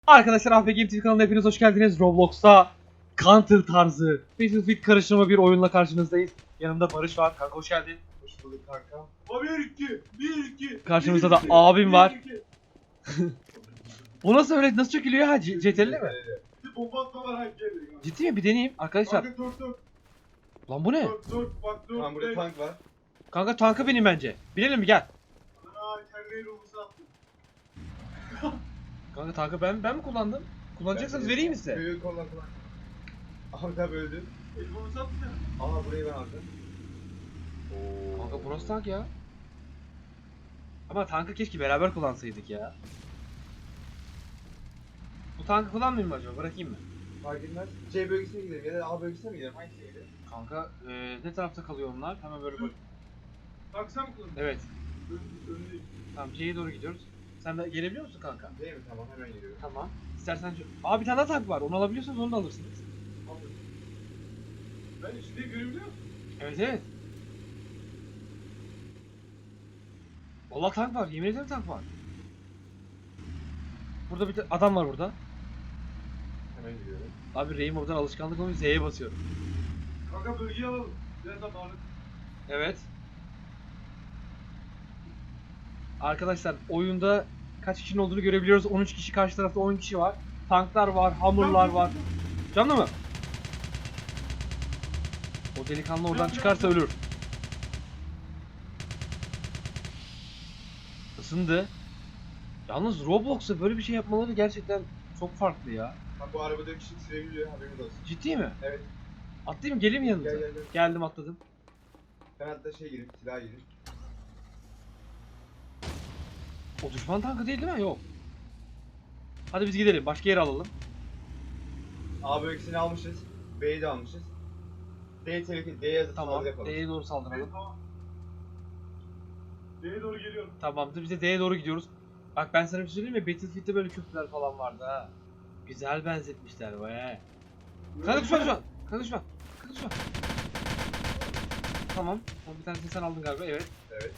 Arkadaşlar AFG Game TV kanalına hepiniz hoş geldiniz. Roblox'ta Counter tarzı Battlefield karışımı bir oyunla karşınızdayız. Yanımda Barış var. Kanka hoş geldin. Hoş bulduk kanka. 1-2 Karşımızda da abim var. Bu nasıl öyle nasıl çökülüyor ha? CTRL mi? Bir bomba atma var hangi yerde? Ciddi mi? Bir deneyeyim arkadaşlar. Kanka dur. Lan bu ne? Dur bak dur. Tamam burada tank var. Kanka tankı benim bence. Binelim mi gel. Ana kendi ruhusu attım. Kanka tankı ben mi kullandım? Kullanacaksanız vereyim mi size? Büyük kullan. Ahmet abi öldü. El bombası attın ya. Aha burayı ben aldım. Kanka bu nasıl tank ya? Ama tankı keşke beraber kullansaydık ya. Bu tankı kullanmayayım mı acaba? Bırakayım mı? Fark etmez. C bölgesine gidelim ya da A bölgesine mi gidelim? Hangisine gidelim? Kanka ne tarafta kalıyor onlar? Hemen böyle bak. Bak sen mi kullandın? Evet. Önündeyim. Tamam C'ye doğru gidiyoruz. Sen de gelebiliyor musun kanka? Değil mi? Tamam hemen geliyorum. Tamam. İstersen bir tane daha tank var. Onu alabiliyorsanız onu da alırsınız. Ben içinde görebiliyor musun? Evet evet. Vallahi tank var. Yemin ederim tank var. Burada bir adam var burada. Hemen gidiyorum. Abi Rainbow'dan alışkanlık olmuş Z'ye basıyorum. Kanka bölgeyi alalım. Biraz daha bağlı. Evet. Arkadaşlar oyunda kaç kişinin olduğunu görebiliyoruz. 13 kişi, karşı tarafta 10 kişi var. Tanklar var, hamurlar var. Canlı mı? O delikanlı oradan çıkarsa ölür. Isındı. Yalnız Roblox'ta böyle bir şey yapmaları gerçekten çok farklı ya. Bak bu arabada kişi sürebiliyor haberiniz olsun. Ciddi mi? Evet. Atlayayım mı? Geleyim mi yanınıza? Gel. Geldim atladım. Ben hatta gireyim, silah gireyim. O düşman tankı değil mi? Yok. Hadi biz gidelim. Başka yere alalım. A bölgesini almışız. B'yi de almışız. D tehlikeli, D'ye Tamam. saldırı yapalım. D'ye doğru Evet saldıralım. tamam. D'ye doğru geliyorum. Tamamdır. Biz de D'ye doğru gidiyoruz. Bak ben sana bir şey söyleyeyim mi? Battlefield'de böyle köprüler falan vardı ha. Güzel benzetmişler be. Kanka düşman düşman. Kanka düşman. Kanka düşman. Tamam. Bir tanesini sen aldın galiba. Evet. Evet.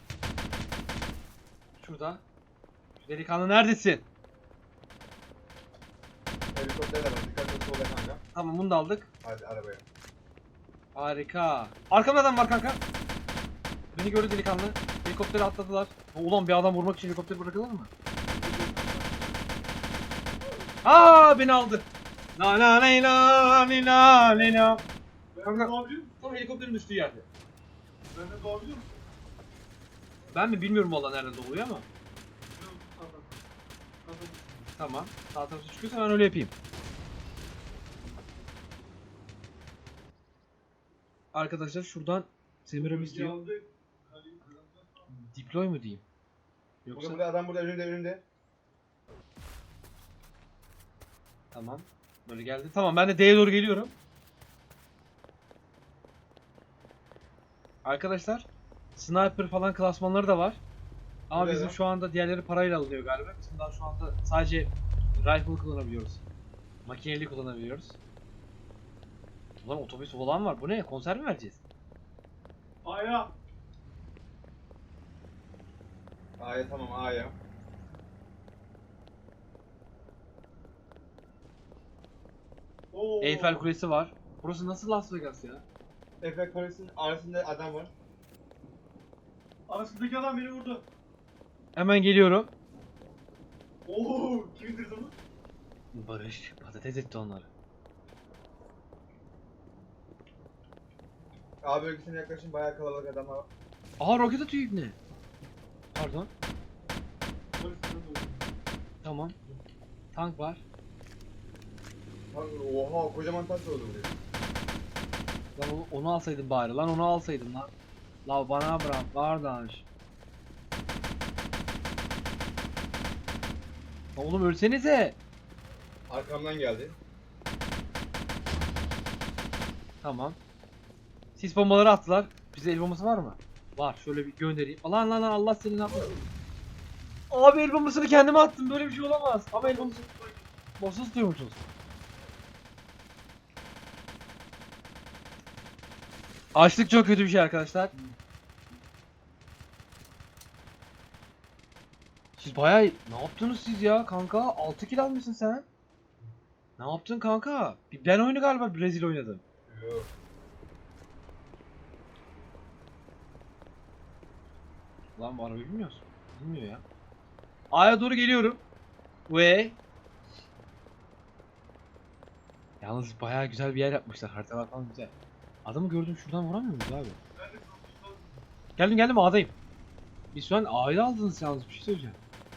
Şurada. Şu delikanlı neredesin? Helikopter de var. Dikkat et solda kanka. Tamam bunu da aldık. Hadi arabaya. Harika. Arkamda adam var kanka. Beni gördü delikanlı. Helikoptere atladılar. Ulan bir adam vurmak için helikopter bırakılır mı? Aa beni aldı. La la la la la la la. Ben Kanka. de doğabiliyor musun? Tam helikopterin düştüğü yerde. Ben de doğabiliyor musun? Ben mi bilmiyorum valla nereden doğuyor ama. Yok, tamam. Tamam. Tamam. Sağ tarafı çıkıyorsa ben öyle yapayım. Arkadaşlar şuradan Semiramis Bölgeyi diyor. aldık. Kaleyi kazandık. Deploy mu diyeyim? Yoksa Burada adam burada önümde. tamam. Böyle geldi. Tamam ben de D'ye doğru geliyorum. Arkadaşlar sniper falan klasmanları da var. Ama Öyle bizim mi? şu anda diğerleri parayla alınıyor galiba. Bizim daha şu anda sadece rifle kullanabiliyoruz. Makineli kullanabiliyoruz. Ulan otobüs falan var. Bu ne? Konser mi vereceğiz? Aya. A'ya tamam A'ya. Oo. Eyfel Kulesi var. Burası nasıl Las Vegas ya? Efek Paris'in arasında adam var. Arasındaki adam beni vurdu. Hemen geliyorum. Oo, kim indirdi onu? Barış patates etti onları. A bölgesine yaklaşın bayağı kalabalık adam var. Aha roket atıyor ibne. Pardon. Tamam. Tank var. Oha kocaman tank oldu buraya. Lan onu alsaydım bari. Lan onu alsaydım lan. La bana bırak kardeş. Lan oğlum ölsenize. Arkamdan geldi. Tamam. Sis bombaları attılar. Bize el bombası var mı? Var. Şöyle bir göndereyim. Lan Allah seni ne yapıyor? Abi el bombasını kendime attım. Böyle bir şey olamaz. Ama el bombası boss'u tutuyormuşuz. Açlık çok kötü bir şey arkadaşlar. Siz bayağı ne yaptınız siz ya kanka? 6 kill almışsın sen. Ne yaptın kanka? Ben oyunu galiba Brezilya oynadım. Yok. Lan bu arabayı bilmiyorsun. Bilmiyor ya. A'ya doğru geliyorum. Ve yalnız bayağı güzel bir yer yapmışlar. Haritalar falan güzel. Adamı gördüm, şuradan vuramıyor muyuz abi? Ben de korktum. Geldim A'dayım. Biz şu an A'yı aldınız yalnız, bir şey söyleyeceğim.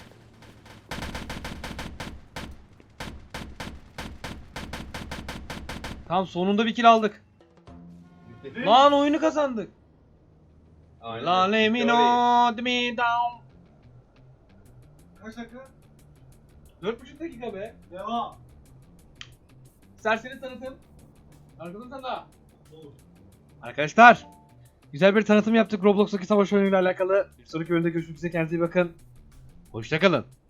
Tamam, sonunda bir kill aldık. Bitti. Lan oyunu kazandık. Aynen. La let me Bitti orayı. know me down. Kaç dakika? 4,5 dakika be. Devam. Serseri tanıtım. Arkadan sana. Olur. Arkadaşlar, güzel bir tanıtım yaptık Roblox'taki savaş oyunuyla alakalı. Bir sonraki bölümde görüşmek üzere, kendinize iyi bakın. Hoşça kalın.